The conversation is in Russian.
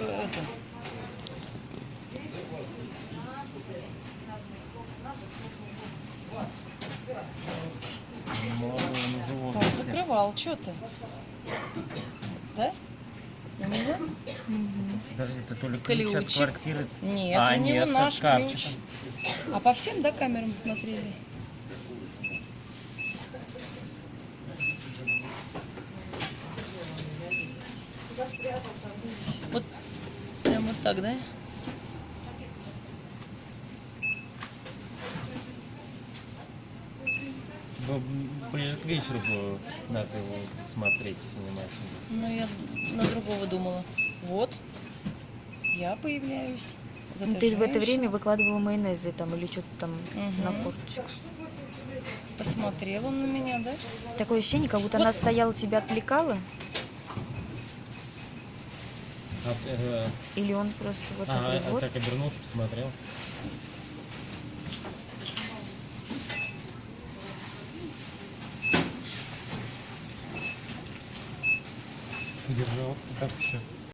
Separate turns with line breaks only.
это. Он закрывал, что ты? Да? У меня?
Подожди, это то ли ключ от
Ключик.
квартиры?
Нет, у него
нет,
наш
со
ключ.
шкафчиком.
А по всем, да, камерам смотрели? Вот прям вот так, да?
Ближе к вечеру надо его смотреть внимательно.
Ну, я на другого думала. Вот, я появляюсь.
Ну, ты в это время выкладывала майонезы там или что-то там на корточках.
Посмотрел он на меня, да?
Такое ощущение, как будто она стояла, тебя отвлекала. Или он просто вот смотри, вот.
Так обернулся, посмотрел. Удержался так еще.